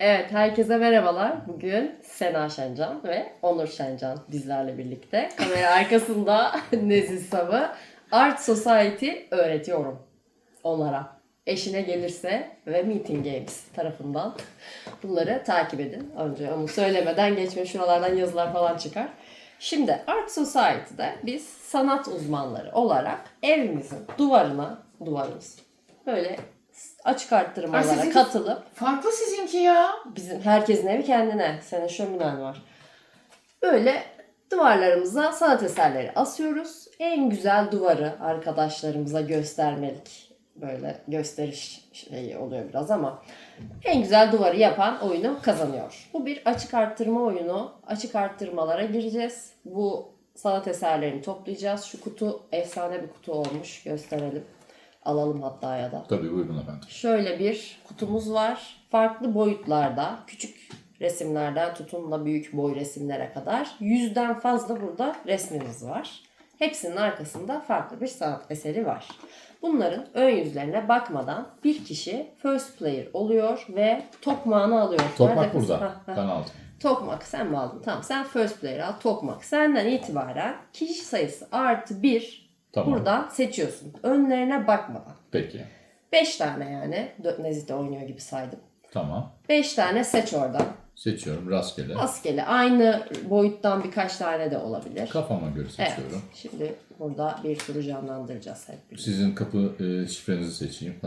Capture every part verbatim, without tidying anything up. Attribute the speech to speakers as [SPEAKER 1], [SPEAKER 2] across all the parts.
[SPEAKER 1] Evet, herkese merhabalar. Bugün Sena Şencan ve Onur Şencan bizlerle birlikte. Kamera arkasında Nezih Sav'ı Art Society öğretiyorum onlara. Eşine gelirse ve Meeting Games tarafından bunları takip edin. Önce onu söylemeden geçme, şuralardan yazılar falan çıkar. Şimdi Art Society'de biz sanat uzmanları olarak evimizin duvarına, duvarımız böyle açık arttırmalara
[SPEAKER 2] Ay,
[SPEAKER 1] katılıp
[SPEAKER 2] farklı sizinki ya.
[SPEAKER 1] bizim herkesin evi kendine. Senin şöminen var. Böyle duvarlarımıza sanat eserleri asıyoruz. En güzel duvarı arkadaşlarımıza göstermelik. Böyle gösteriş şeyi oluyor biraz ama en güzel duvarı yapan oyunu kazanıyor. Bu bir açık arttırma oyunu. Açık arttırmalara gireceğiz. Bu sanat eserlerini toplayacağız. Şu kutu efsane bir kutu olmuş. Gösterelim. Alalım hatta ya da.
[SPEAKER 3] Tabii buyurun efendim.
[SPEAKER 1] Şöyle bir kutumuz var. Farklı boyutlarda, küçük resimlerden tutun da büyük boy resimlere kadar yüzden fazla burada resmimiz var. Hepsinin arkasında farklı bir sanat eseri var. Bunların ön yüzlerine bakmadan bir kişi first player oluyor ve tokmağını alıyor.
[SPEAKER 3] Tokmak
[SPEAKER 1] Nerede kız?
[SPEAKER 3] burada.
[SPEAKER 1] Ha, ha.
[SPEAKER 3] Ben aldım.
[SPEAKER 1] Tokmak sen mi aldın? Tamam, sen first player al. Tokmak senden itibaren kişi sayısı artı bir
[SPEAKER 3] Tamam.
[SPEAKER 1] buradan seçiyorsun. Önlerine bakmadan.
[SPEAKER 3] Peki.
[SPEAKER 1] beş tane yani. Nezih de oynuyor gibi saydım.
[SPEAKER 3] Tamam.
[SPEAKER 1] beş tane seç oradan.
[SPEAKER 3] Seçiyorum rastgele.
[SPEAKER 1] Rastgele. Aynı boyuttan birkaç tane de olabilir.
[SPEAKER 3] Kafama göre
[SPEAKER 1] Evet.
[SPEAKER 3] seçiyorum.
[SPEAKER 1] Şimdi burada bir turu canlandıracağız hep birlikte.
[SPEAKER 3] Sizin kapı e, şifrenizi seçeyim.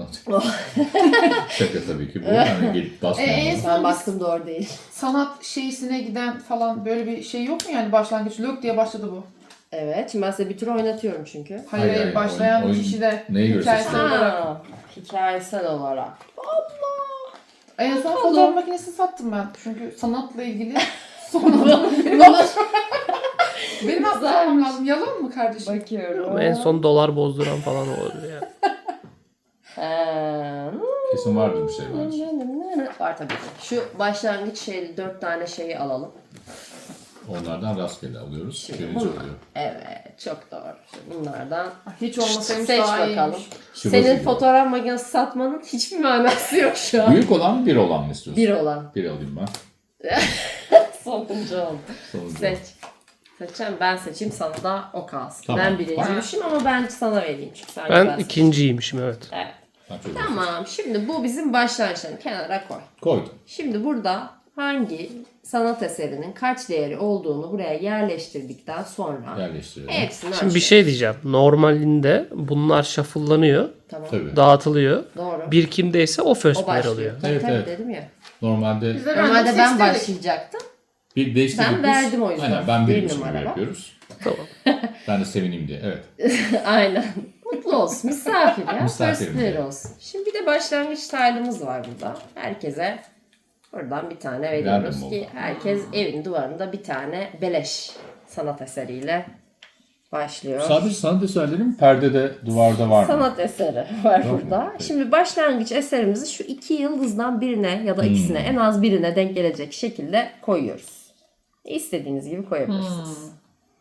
[SPEAKER 3] Şaka tabii ki bu. Yani gelip basmayalım.
[SPEAKER 2] Ee,
[SPEAKER 1] Ben baktım doğru değil.
[SPEAKER 2] Sanat şeysine giden falan böyle bir şey yok mu yani başlangıç? Lök diye başladı bu.
[SPEAKER 1] Evet. Şimdi ben size bir tur oynatıyorum çünkü.
[SPEAKER 2] Hayır,
[SPEAKER 3] Hayır,
[SPEAKER 2] hayır,
[SPEAKER 3] hayır,
[SPEAKER 2] başlayan
[SPEAKER 3] oyun- oyun
[SPEAKER 2] kişi de
[SPEAKER 3] neye göre
[SPEAKER 2] hikayesi
[SPEAKER 3] seçiyor?
[SPEAKER 2] olarak.
[SPEAKER 1] Ha, hikayesel olarak.
[SPEAKER 2] En son
[SPEAKER 1] Bakalım.
[SPEAKER 2] fotoğraf makinesini sattım ben. Çünkü sanatla ilgili sonradan benim atlamam lazım. Yalan mı kardeşim?
[SPEAKER 1] Bakıyorum.
[SPEAKER 4] Ama en son dolar bozduran falan olabilir yani.
[SPEAKER 1] Ee,
[SPEAKER 3] Kesin vardır bir şey bence.
[SPEAKER 1] Var tabii ki. Şu başlangıç şeyli dört tane şeyi alalım.
[SPEAKER 3] Onlardan rastgele alıyoruz.
[SPEAKER 1] Şimdi
[SPEAKER 3] Birinci
[SPEAKER 1] bunlar.
[SPEAKER 3] oluyor.
[SPEAKER 1] Evet, çok doğru. Şimdi bunlardan
[SPEAKER 2] Hiç olmasaymış
[SPEAKER 1] seç
[SPEAKER 2] daha
[SPEAKER 1] bakalım.
[SPEAKER 2] iyiymiş.
[SPEAKER 3] Şurası
[SPEAKER 1] Senin
[SPEAKER 3] gibi.
[SPEAKER 1] fotoğraf makinesi satmanın hiçbir manası yok şu an.
[SPEAKER 3] Büyük olan bir olan mı istiyorsun?
[SPEAKER 1] Bir olan.
[SPEAKER 3] Bir alayım ben.
[SPEAKER 1] Sonuncu oldu.
[SPEAKER 3] Sonuncu.
[SPEAKER 1] Seç. Seçeceğim. Ben seçeyim, sana da o kalsın.
[SPEAKER 3] Tamam.
[SPEAKER 1] Ben birinciymişim ama ben sana vereyim. Çünkü sen
[SPEAKER 4] Ben
[SPEAKER 1] güzel
[SPEAKER 4] ikinciymişim evet.
[SPEAKER 1] seçtin. Evet.
[SPEAKER 3] Ben çok
[SPEAKER 1] Tamam. Şimdi bu bizim başlangıçlarını kenara koy.
[SPEAKER 3] koydum.
[SPEAKER 1] Şimdi burada hangi sanat eserinin kaç değeri olduğunu buraya yerleştirdikten sonra
[SPEAKER 3] Yerleştiriyorum.
[SPEAKER 1] hepsini
[SPEAKER 4] Şimdi bir
[SPEAKER 1] ölçüyoruz.
[SPEAKER 4] şey diyeceğim. Normalinde bunlar shuffle'lanıyor,
[SPEAKER 1] Tamam.
[SPEAKER 3] Tabii.
[SPEAKER 4] dağıtılıyor.
[SPEAKER 1] Doğru.
[SPEAKER 4] Bir kimdeyse o first
[SPEAKER 1] O
[SPEAKER 4] player
[SPEAKER 1] başlıyor.
[SPEAKER 4] oluyor.
[SPEAKER 1] Tabii
[SPEAKER 3] Evet,
[SPEAKER 1] tabii
[SPEAKER 3] evet.
[SPEAKER 1] dedim ya.
[SPEAKER 3] Normalde
[SPEAKER 2] Biz de
[SPEAKER 1] Normalde
[SPEAKER 2] random
[SPEAKER 1] ben
[SPEAKER 2] seçtirdik.
[SPEAKER 1] başlayacaktım.
[SPEAKER 3] bir değiştirdik
[SPEAKER 1] Ben
[SPEAKER 3] biz.
[SPEAKER 1] verdim o yüzden.
[SPEAKER 3] Aynen ben
[SPEAKER 1] Bir
[SPEAKER 3] benim için
[SPEAKER 1] numara.
[SPEAKER 3] yapıyoruz.
[SPEAKER 4] Tamam.
[SPEAKER 3] Ben de sevineyim diye. Evet.
[SPEAKER 1] Aynen. Mutlu olsun. Misafir ya.
[SPEAKER 3] Misafirim
[SPEAKER 1] First player
[SPEAKER 3] diye.
[SPEAKER 1] olsun. Şimdi bir de başlangıç tile'ımız var burada. Herkese buradan bir tane veriyoruz
[SPEAKER 3] Random
[SPEAKER 1] ki
[SPEAKER 3] oldu.
[SPEAKER 1] herkes evin duvarında bir tane beleş sanat eseriyle başlıyor.
[SPEAKER 3] Sadece sanat eserlerim perdede, duvarda var mı?
[SPEAKER 1] Sanat eseri var
[SPEAKER 3] Yok mu?
[SPEAKER 1] burada.
[SPEAKER 3] Peki.
[SPEAKER 1] Şimdi başlangıç eserimizi şu iki yıldızdan birine ya da ikisine
[SPEAKER 3] Hmm.
[SPEAKER 1] en az birine denk gelecek şekilde koyuyoruz. İstediğiniz gibi koyabilirsiniz.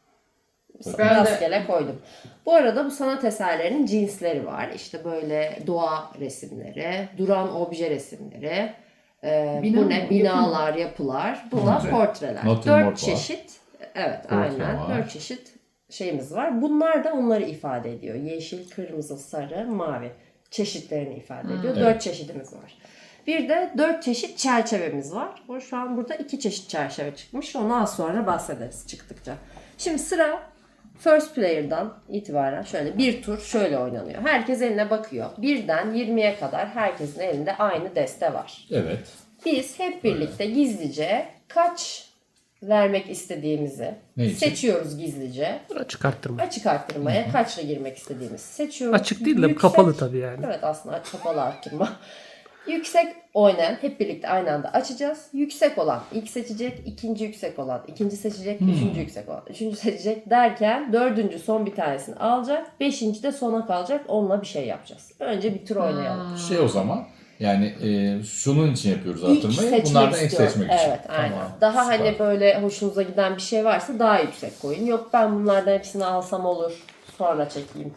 [SPEAKER 2] Ben de-
[SPEAKER 1] Rastgele koydum. Bu arada bu sanat eserlerinin cinsleri var. İşte böyle doğa resimleri, duran obje resimleri, e,
[SPEAKER 2] Bina
[SPEAKER 1] bu
[SPEAKER 2] mı?
[SPEAKER 1] ne? Binalar, yapılar. Bunlar
[SPEAKER 3] Portre.
[SPEAKER 1] portreler.
[SPEAKER 3] Natürmort var.
[SPEAKER 1] Dört çeşit. Evet,
[SPEAKER 3] Portre
[SPEAKER 1] aynen.
[SPEAKER 3] var.
[SPEAKER 1] Dört çeşit şeyimiz var. Bunlar da onları ifade ediyor. Yeşil, kırmızı, sarı, mavi çeşitlerini ifade ediyor.
[SPEAKER 3] Evet.
[SPEAKER 1] Dört çeşidimiz var. Bir de dört çeşit çerçevemiz var. Bu şu an burada iki çeşit çerçeve çıkmış. Onu az sonra bahsederiz çıktıkça. Şimdi sıra first player'dan itibaren şöyle bir tur şöyle oynanıyor. Herkes eline bakıyor. Birden yirmiye kadar herkesin elinde aynı deste var.
[SPEAKER 3] Evet.
[SPEAKER 1] Biz hep birlikte gizlice kaç vermek istediğimizi
[SPEAKER 3] Ne için?
[SPEAKER 1] seçiyoruz gizlice.
[SPEAKER 4] Açık arttırma.
[SPEAKER 1] Açık arttırmaya kaçla girmek istediğimizi seçiyoruz.
[SPEAKER 4] Açık değil de
[SPEAKER 1] Yüksek-
[SPEAKER 4] kapalı tabii yani.
[SPEAKER 1] Evet, aslında kapalı arttırma. Yüksek oynayan hep birlikte aynı anda açacağız. Yüksek olan ilk seçecek, ikinci yüksek olan ikinci seçecek,
[SPEAKER 3] Hmm.
[SPEAKER 1] üçüncü yüksek olan üçüncü seçecek derken dördüncü son bir tanesini alacak. Beşinci de sona kalacak. Onunla bir şey yapacağız. Önce bir tur oynayalım.
[SPEAKER 3] Şey o zaman yani e, şunun için yapıyoruz
[SPEAKER 1] İlk
[SPEAKER 3] artırmayı.
[SPEAKER 1] seçmek
[SPEAKER 3] Bunlardan ilk
[SPEAKER 1] istiyorum.
[SPEAKER 3] seçmek için.
[SPEAKER 1] Evet, aynen.
[SPEAKER 3] Tamam,
[SPEAKER 1] Daha
[SPEAKER 3] süper.
[SPEAKER 1] hani böyle hoşunuza giden bir şey varsa daha yüksek koyun. Yok ben bunlardan hepsini alsam olur. Sonra çekeyim.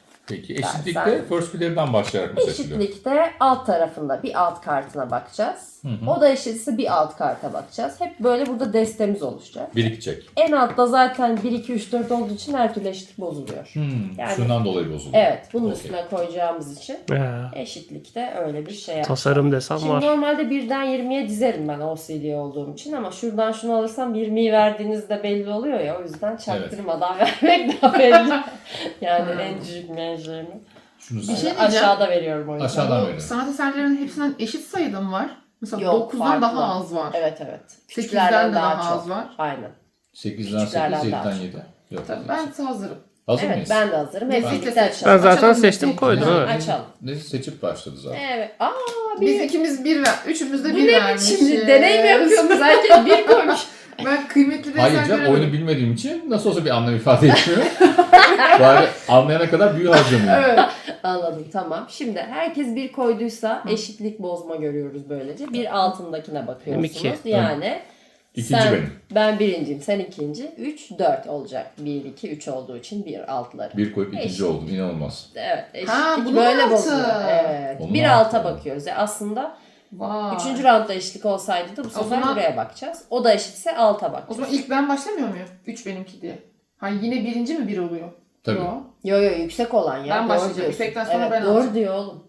[SPEAKER 3] Peki
[SPEAKER 1] sen-
[SPEAKER 3] eşitlikte first player'dan başlayarak mı seçiliyor?
[SPEAKER 1] Eşitlikte alt tarafında bir alt kartına bakacağız.
[SPEAKER 3] hı.
[SPEAKER 1] O da eşitse bir alt karta bakacağız. Hep böyle burada destemiz oluşacak.
[SPEAKER 3] Birikecek.
[SPEAKER 1] En altta zaten bir, iki, üç, dört olduğu için her türlü eşitlik bozuluyor.
[SPEAKER 3] Hmm,
[SPEAKER 1] Yani-
[SPEAKER 3] şundan dolayı bozuluyor.
[SPEAKER 1] Evet, bunun
[SPEAKER 3] Okey.
[SPEAKER 1] üstüne koyacağımız için
[SPEAKER 4] Ya,
[SPEAKER 1] eşitlikte öyle bir şey yapacağız.
[SPEAKER 4] tasarım desem
[SPEAKER 1] Şimdi
[SPEAKER 4] var.
[SPEAKER 1] normalde birden yirmiye dizerim ben O C D olduğum için ama şuradan şunu alırsam yirmiyi verdiğinizde belli oluyor ya, o yüzden çaktırmadan vermek daha belli. Yani
[SPEAKER 2] Hmm.
[SPEAKER 1] en düşük menşeimi.
[SPEAKER 3] Şunu
[SPEAKER 2] Bir
[SPEAKER 3] söyle.
[SPEAKER 2] şey diyeceğim.
[SPEAKER 1] Aşağıda veriyorum o yüzden.
[SPEAKER 3] Aşağıdan
[SPEAKER 2] Bu
[SPEAKER 3] verin.
[SPEAKER 2] sanat eserlerinin hepsinden eşit sayıda mı var? Mesela
[SPEAKER 1] Yok,
[SPEAKER 2] dokuzdan
[SPEAKER 1] farklı.
[SPEAKER 2] daha az var.
[SPEAKER 1] Evet evet.
[SPEAKER 2] sekizden de daha az var.
[SPEAKER 1] Aynen.
[SPEAKER 3] sekizden
[SPEAKER 1] Küçüklerden
[SPEAKER 3] sekiz,
[SPEAKER 1] daha
[SPEAKER 3] yediden
[SPEAKER 1] çok.
[SPEAKER 3] yedi. Yok.
[SPEAKER 2] Tabii ben hazırım.
[SPEAKER 3] Hazır
[SPEAKER 1] Evet
[SPEAKER 3] mıyız?
[SPEAKER 1] ben de hazırım. Hep
[SPEAKER 2] Ben-
[SPEAKER 1] birlikte
[SPEAKER 2] Ben
[SPEAKER 1] açalım.
[SPEAKER 4] Ben zaten
[SPEAKER 2] Açalım.
[SPEAKER 4] seçtim koydum.
[SPEAKER 3] Ne-
[SPEAKER 4] Evet.
[SPEAKER 1] Açalım.
[SPEAKER 3] Ne seçip başladı zaten.
[SPEAKER 1] Evet. Aa
[SPEAKER 2] Biz
[SPEAKER 1] bir.
[SPEAKER 2] ikimiz bir ver. Üçümüz de
[SPEAKER 1] Bu
[SPEAKER 2] bir
[SPEAKER 1] ne
[SPEAKER 2] vermişiz.
[SPEAKER 1] biçim? Deney mi yapıyorsunuz? Herkes bir koymuş.
[SPEAKER 2] Ben kıymetli bir
[SPEAKER 3] Hayır
[SPEAKER 2] eser
[SPEAKER 3] canım,
[SPEAKER 2] göremedim.
[SPEAKER 3] oyunu bilmediğim için nasıl olsa bir anlam ifade etmiyor. Bari anlayana kadar büyü harcamıyorum.
[SPEAKER 2] Evet.
[SPEAKER 1] Anladım tamam. Şimdi herkes bir koyduysa eşitlik bozma görüyoruz böylece. Bir altındakine bakıyorsunuz.
[SPEAKER 4] iki.
[SPEAKER 1] Yani
[SPEAKER 3] İkinci
[SPEAKER 1] sen,
[SPEAKER 3] benim.
[SPEAKER 1] ben birinciyim, sen ikinci. Üç, dört olacak. Bir, iki, üç olduğu için bir altları.
[SPEAKER 3] Bir koyup ikinci
[SPEAKER 1] Eşit.
[SPEAKER 3] oldum. İnanılmaz.
[SPEAKER 1] Evet eşitlik
[SPEAKER 2] Ha, bunun
[SPEAKER 1] böyle
[SPEAKER 2] altı.
[SPEAKER 1] bozuluyor. Evet.
[SPEAKER 3] Onun
[SPEAKER 1] bir
[SPEAKER 3] altı.
[SPEAKER 1] alta bakıyoruz. Yani aslında
[SPEAKER 2] Vay.
[SPEAKER 1] üçüncü roundda eşitlik olsaydı da bu sefer
[SPEAKER 2] zaman-
[SPEAKER 1] buraya bakacağız. O da eşitse alta
[SPEAKER 2] O
[SPEAKER 1] bakacağız.
[SPEAKER 2] zaman ilk ben başlamıyor muyum? Üç benimki diye. Hayır yine birinci mi bir oluyor?
[SPEAKER 3] Tabii.
[SPEAKER 2] Yo.
[SPEAKER 1] Yo yo yüksek olan ya.
[SPEAKER 2] Ben
[SPEAKER 1] doğru
[SPEAKER 2] başlayacağım.
[SPEAKER 1] diyorsun.
[SPEAKER 2] İpek'ten sonra
[SPEAKER 1] evet,
[SPEAKER 2] ben
[SPEAKER 1] doğru
[SPEAKER 2] alacağım.
[SPEAKER 1] diyor oğlum.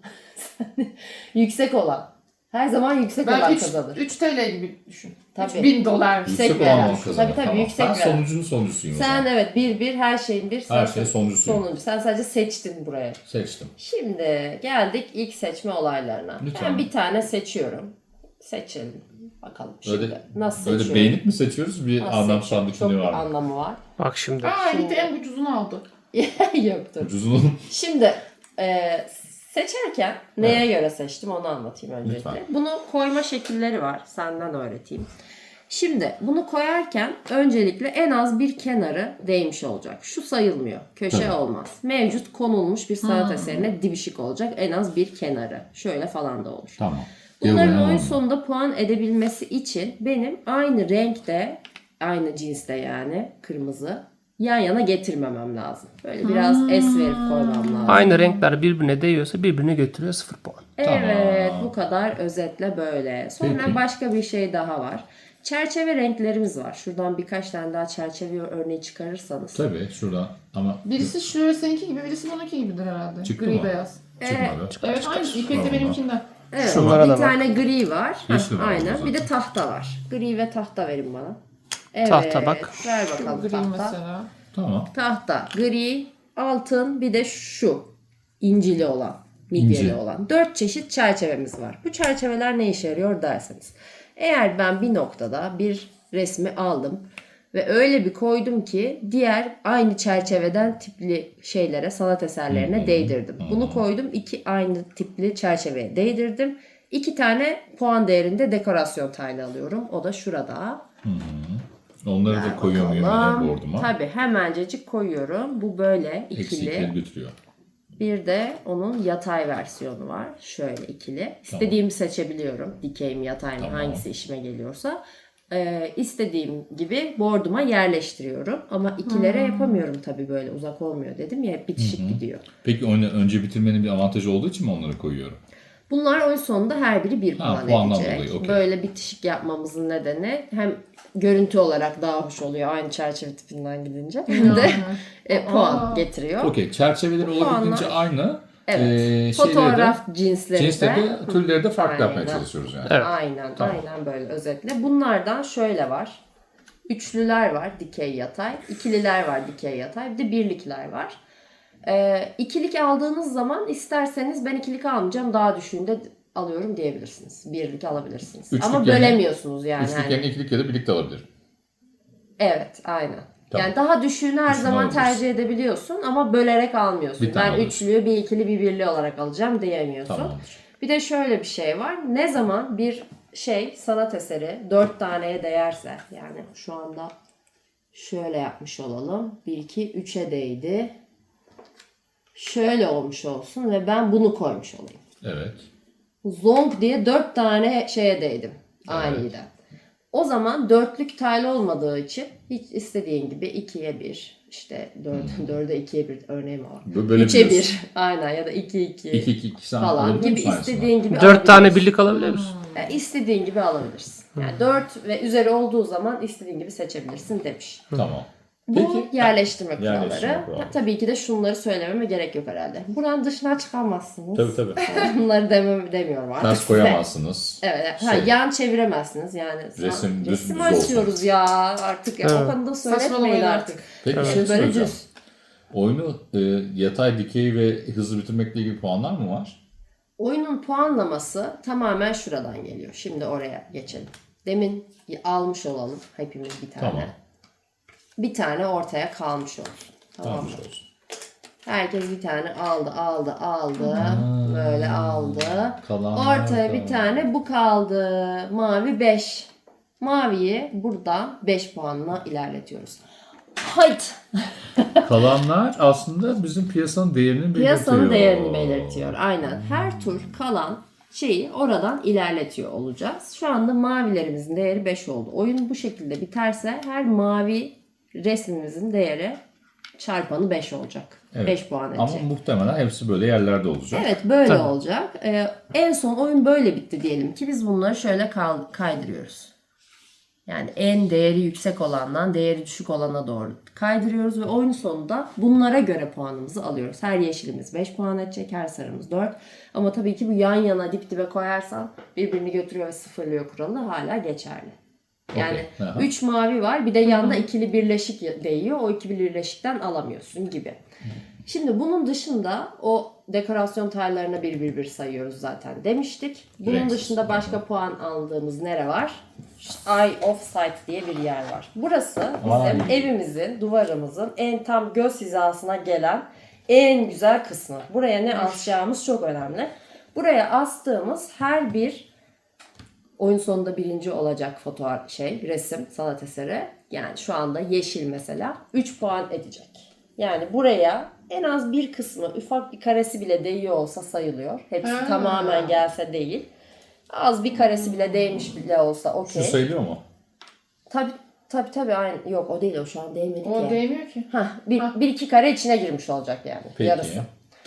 [SPEAKER 1] yüksek olan. Her zaman yüksek
[SPEAKER 2] Ben
[SPEAKER 1] olan
[SPEAKER 2] üç,
[SPEAKER 1] kazanır.
[SPEAKER 2] üç T L gibi düşün.
[SPEAKER 1] Tabii.
[SPEAKER 2] üç bin dolar.
[SPEAKER 1] Yüksek
[SPEAKER 3] Yüksek
[SPEAKER 1] veren.
[SPEAKER 3] olan onu kazanır.
[SPEAKER 1] Tabii, tabii,
[SPEAKER 3] Tamam.
[SPEAKER 1] yüksek
[SPEAKER 3] Ben
[SPEAKER 1] veren.
[SPEAKER 3] sonuncunun sonuncusuyum o
[SPEAKER 1] Sen
[SPEAKER 3] zaman.
[SPEAKER 1] evet bir bir her şeyin bir. Sen
[SPEAKER 3] Her şeyin sonuncusuyum.
[SPEAKER 1] sonuncu. Sen sadece seçtin buraya.
[SPEAKER 3] Seçtim.
[SPEAKER 1] Şimdi geldik ilk seçme olaylarına.
[SPEAKER 3] Lütfen.
[SPEAKER 1] Ben bir tane seçiyorum. Seçelim. Bakalım şimdi
[SPEAKER 3] Böyle,
[SPEAKER 1] nasıl
[SPEAKER 3] böyle
[SPEAKER 1] seçiyorum.
[SPEAKER 3] beğenip mi seçiyoruz? Bir
[SPEAKER 1] Nasıl
[SPEAKER 3] anlam
[SPEAKER 1] seçiyorum?
[SPEAKER 3] sandık
[SPEAKER 1] Çok
[SPEAKER 3] içinde
[SPEAKER 1] bir
[SPEAKER 3] var mı?
[SPEAKER 1] anlamı var.
[SPEAKER 4] Bak şimdi.
[SPEAKER 2] Aa
[SPEAKER 1] Şimdi-
[SPEAKER 2] Elite en ucuzunu aldı.
[SPEAKER 1] Yoktur.
[SPEAKER 3] Ucuzunun.
[SPEAKER 1] Şimdi e, seçerken neye göre seçtim onu anlatayım öncelikle.
[SPEAKER 3] Lütfen.
[SPEAKER 1] Bunu koyma şekilleri var. Senden öğreteyim. Şimdi bunu koyarken öncelikle en az bir kenarı değmiş olacak. Şu sayılmıyor. Köşe
[SPEAKER 3] Tabii.
[SPEAKER 1] olmaz. Mevcut konulmuş bir sanat
[SPEAKER 2] Hmm.
[SPEAKER 1] eserine dibişik olacak. En az bir kenarı. Şöyle falan da olur.
[SPEAKER 3] Tamam.
[SPEAKER 1] Bunların
[SPEAKER 3] Diğer
[SPEAKER 1] oyun
[SPEAKER 3] oyun
[SPEAKER 1] sonunda puan edebilmesi için benim aynı renkte, aynı cinste yani kırmızı yan yana getirmemem lazım. Böyle biraz es verip koymam lazım.
[SPEAKER 4] Aynı renkler birbirine değiyorsa birbirine götürüyor sıfır puan.
[SPEAKER 1] Evet,
[SPEAKER 3] Tamam.
[SPEAKER 1] bu kadar özetle böyle. Sonra
[SPEAKER 3] Peki.
[SPEAKER 1] başka bir şey daha var. Çerçeve renklerimiz var. Şuradan birkaç tane daha çerçeve örneği çıkarırsanız.
[SPEAKER 3] Tabii şuradan ama
[SPEAKER 2] Birisi şöyle seninki gibi, birisi bununki gibidir herhalde.
[SPEAKER 3] Çıktı
[SPEAKER 2] Gri
[SPEAKER 3] mı?
[SPEAKER 2] beyaz.
[SPEAKER 3] çıkmadı.
[SPEAKER 2] Evet aynı. İpek de
[SPEAKER 3] Tamam.
[SPEAKER 2] benimkinden.
[SPEAKER 1] Evet,
[SPEAKER 4] Şunlara
[SPEAKER 1] bir
[SPEAKER 4] da bak.
[SPEAKER 1] tane gri var.
[SPEAKER 3] Yeşil
[SPEAKER 1] Heh,
[SPEAKER 3] var
[SPEAKER 1] aynen.
[SPEAKER 3] orada
[SPEAKER 1] Bir de
[SPEAKER 3] zaten.
[SPEAKER 1] tahta var. Gri ve tahta verin bana. Evet.
[SPEAKER 4] Tahta bak.
[SPEAKER 1] Ver
[SPEAKER 2] Şu
[SPEAKER 1] bakalım
[SPEAKER 2] gri
[SPEAKER 1] tahta.
[SPEAKER 2] mesela.
[SPEAKER 3] Tamam.
[SPEAKER 1] Tahta, gri, altın, bir de şu incili olan, midyeli
[SPEAKER 3] İnci.
[SPEAKER 1] olan. Dört çeşit çerçevemiz var. Bu çerçeveler ne işe yarıyor derseniz. Eğer ben bir noktada bir resmi aldım ve öyle bir koydum ki diğer aynı çerçeveden tipli şeylere, sanat eserlerine değdirdim. Bunu koydum, iki aynı tipli çerçeveye değdirdim. İki tane puan değerinde dekorasyon taylı alıyorum. O da şurada.
[SPEAKER 3] Onları da koyuyor muyum
[SPEAKER 1] Bakalım.
[SPEAKER 3] yine board'uma?
[SPEAKER 1] Tabii hemencecik koyuyorum. Bu böyle ikili.
[SPEAKER 3] Eksikleri götürüyor.
[SPEAKER 1] Bir de onun yatay versiyonu var. Şöyle ikili. İstediğimi seçebiliyorum. Dikey mi yatay mı
[SPEAKER 3] Tamam.
[SPEAKER 1] hangisi işime geliyorsa. Ee, istediğim gibi board'uma yerleştiriyorum. Ama ikilere yapamıyorum tabii böyle uzak olmuyor dedim ya hep bitişik gidiyor.
[SPEAKER 3] Peki oyunu önce bitirmenin bir avantajı olduğu için mi onları koyuyorum?
[SPEAKER 1] Bunlar oyun sonunda her biri bir
[SPEAKER 3] Ha,
[SPEAKER 1] puan
[SPEAKER 3] puandan
[SPEAKER 1] edecek.
[SPEAKER 3] dolayı, okey.
[SPEAKER 1] Böyle bitişik yapmamızın nedeni hem görüntü olarak daha hoş oluyor aynı çerçeve tipinden gidince hem de e, puan
[SPEAKER 2] Aa.
[SPEAKER 1] getiriyor.
[SPEAKER 3] Okey. Çerçeveleri olabildiğince
[SPEAKER 1] puanlar-
[SPEAKER 3] aynı.
[SPEAKER 1] Evet.
[SPEAKER 3] Ee, şeyleri
[SPEAKER 1] Fotoğraf
[SPEAKER 3] de,
[SPEAKER 1] cinsleri
[SPEAKER 3] cinsleri
[SPEAKER 1] de.
[SPEAKER 3] de türleri de farklı yapmaya
[SPEAKER 1] Aynen.
[SPEAKER 3] çalışıyoruz yani.
[SPEAKER 4] Evet.
[SPEAKER 1] Aynen,
[SPEAKER 3] Tamam.
[SPEAKER 1] aynen böyle özetle. Bunlardan şöyle var. Üçlüler var dikey yatay. İkililer var dikey yatay. Bir de birlikler var. Ee, ikilik aldığınız zaman isterseniz ben ikilik almayacağım daha düşüğünde alıyorum diyebilirsiniz. Birlik alabilirsiniz.
[SPEAKER 3] Üçlük
[SPEAKER 1] Ama
[SPEAKER 3] yerine-
[SPEAKER 1] bölemiyorsunuz yani.
[SPEAKER 3] Üçlük
[SPEAKER 1] Hani-
[SPEAKER 3] yerine ikilik ya da birlikte alabilirim.
[SPEAKER 1] Evet, aynen.
[SPEAKER 3] Tamam.
[SPEAKER 1] Yani daha düşüğünü her
[SPEAKER 3] Düşüğünü
[SPEAKER 1] zaman
[SPEAKER 3] alabilirsin.
[SPEAKER 1] tercih edebiliyorsun ama bölerek almıyorsun.
[SPEAKER 3] Bir tane
[SPEAKER 1] Ben
[SPEAKER 3] alıyorsun.
[SPEAKER 1] üçlüyü bir ikili bir birli olarak alacağım diyemiyorsun.
[SPEAKER 3] Tamamdır.
[SPEAKER 1] Bir de şöyle bir şey var. Ne zaman bir şey sanat eseri dört taneye değerse yani şu anda şöyle yapmış olalım. bir, iki, üçe değdi. Şöyle olmuş olsun ve ben bunu koymuş olayım.
[SPEAKER 3] Evet.
[SPEAKER 1] Zonk diye dört tane şeye değdim. Aniden. O zaman dörtlük taylı olmadığı için hiç istediğin gibi ikiye bir, işte dört, dörde ikiye bir örneği var.
[SPEAKER 3] Böyle
[SPEAKER 1] üçe
[SPEAKER 3] biliyorsun.
[SPEAKER 1] bir aynen ya da iki iki
[SPEAKER 3] iki iki iki sen
[SPEAKER 1] falan
[SPEAKER 3] alabilir
[SPEAKER 1] gibi
[SPEAKER 3] misin aynısını?
[SPEAKER 1] istediğin gibi
[SPEAKER 4] Dört tane
[SPEAKER 1] alabilirsin.
[SPEAKER 4] birlik alabiliyor musun?
[SPEAKER 1] Yani istediğin gibi alabilirsin. Yani dört ve üzeri olduğu zaman istediğin gibi seçebilirsin demiş.
[SPEAKER 3] Tamam.
[SPEAKER 1] Bu
[SPEAKER 3] Peki.
[SPEAKER 1] yerleştirme kuralları.
[SPEAKER 3] Yerleştirme kuralları.
[SPEAKER 1] Ta- Tabii ki de şunları söylememe gerek yok herhalde. Buranın dışına çıkamazsınız.
[SPEAKER 3] Tabii tabii.
[SPEAKER 1] Bunları demem, demiyorum artık
[SPEAKER 3] Ters
[SPEAKER 1] size.
[SPEAKER 3] koyamazsınız.
[SPEAKER 1] Evet, evet. Ha,
[SPEAKER 3] Şey.
[SPEAKER 1] yan çeviremezsiniz yani.
[SPEAKER 3] Resim düz
[SPEAKER 1] resim
[SPEAKER 3] düz
[SPEAKER 1] açıyoruz
[SPEAKER 3] olsun.
[SPEAKER 1] ya artık ya.
[SPEAKER 4] Evet.
[SPEAKER 1] O konuda söyletmeyin
[SPEAKER 2] Saçmalamayın
[SPEAKER 1] artık.
[SPEAKER 2] artık.
[SPEAKER 3] Peki bir
[SPEAKER 4] Evet.
[SPEAKER 3] şey
[SPEAKER 1] Böyle
[SPEAKER 3] soracağım.
[SPEAKER 1] düz.
[SPEAKER 3] Oyunu e, yatay, dikey ve hızlı bitirmekle ilgili puanlar mı var?
[SPEAKER 1] Oyunun puanlaması tamamen şuradan geliyor. Şimdi oraya geçelim. Demin almış olalım hepimiz bir tane.
[SPEAKER 3] Tamam.
[SPEAKER 1] Bir tane ortaya kalmış olsun. Tamam mı?
[SPEAKER 3] Tamam. olsun.
[SPEAKER 1] Herkes bir tane aldı, aldı, aldı. Böyle aldı.
[SPEAKER 3] Kalanlar
[SPEAKER 1] Ortaya
[SPEAKER 3] da-
[SPEAKER 1] bir tane bu kaldı. Mavi beş. Maviyi buradan beş puanla ilerletiyoruz. Haydi.
[SPEAKER 3] Kalanlar aslında bizim piyasanın değerini belirtiyor.
[SPEAKER 1] Piyasanın değerini belirtiyor. Aynen. Her tur kalan şeyi oradan ilerletiyor olacağız. Şu anda mavilerimizin değeri beş oldu. Oyun bu şekilde biterse her mavi resmimizin değeri çarpanı beş olacak.
[SPEAKER 3] Evet.
[SPEAKER 1] beş puan edecek.
[SPEAKER 3] Ama muhtemelen hepsi böyle yerlerde olacak.
[SPEAKER 1] Evet böyle
[SPEAKER 4] Tabii.
[SPEAKER 1] olacak. Ee, en son oyun böyle bitti diyelim ki biz bunları şöyle kal- kaydırıyoruz. Yani en değeri yüksek olandan değeri düşük olana doğru kaydırıyoruz ve oyun sonunda bunlara göre puanımızı alıyoruz. Her yeşilimiz beş puan edecek, her sarımız dört. Ama tabii ki bu yan yana dip dibe koyarsan birbirini götürüyor ve sıfırlıyor kuralı hala geçerli. Yani
[SPEAKER 3] Okey. Aha.
[SPEAKER 1] üç mavi var bir de yanda ikili birleşik değiyor. O ikili birleşikten alamıyorsun gibi. Şimdi bunun dışında o dekorasyon taylarına bir bir bir sayıyoruz zaten demiştik. Bunun
[SPEAKER 3] Renksiz.
[SPEAKER 1] dışında başka puan aldığımız nere var? Eye of Sight diye bir yer var. Burası bizim
[SPEAKER 3] Vay.
[SPEAKER 1] evimizin, duvarımızın en tam göz hizasına gelen en güzel kısmı. Buraya ne asacağımız çok önemli. Buraya astığımız her bir oyun sonunda birinci olacak fotoğraf şey, resim, sanat eseri. Yani şu anda yeşil mesela üç puan edecek. Yani buraya en az bir kısmı, ufak bir karesi bile değiyor olsa sayılıyor. Hepsi
[SPEAKER 2] Ha.
[SPEAKER 1] tamamen gelse değil. Az bir karesi bile değmiş bile olsa
[SPEAKER 3] Şu
[SPEAKER 1] okey.
[SPEAKER 3] sayılıyor mu?
[SPEAKER 1] Tabii tabii tabii aynı. Yok o değil o şu an değmedi
[SPEAKER 2] O
[SPEAKER 1] ki.
[SPEAKER 2] değmiyor ki.
[SPEAKER 1] Hah, bir, bir iki kare içine girmiş olacak yani.
[SPEAKER 3] Peki.
[SPEAKER 1] Yarısı.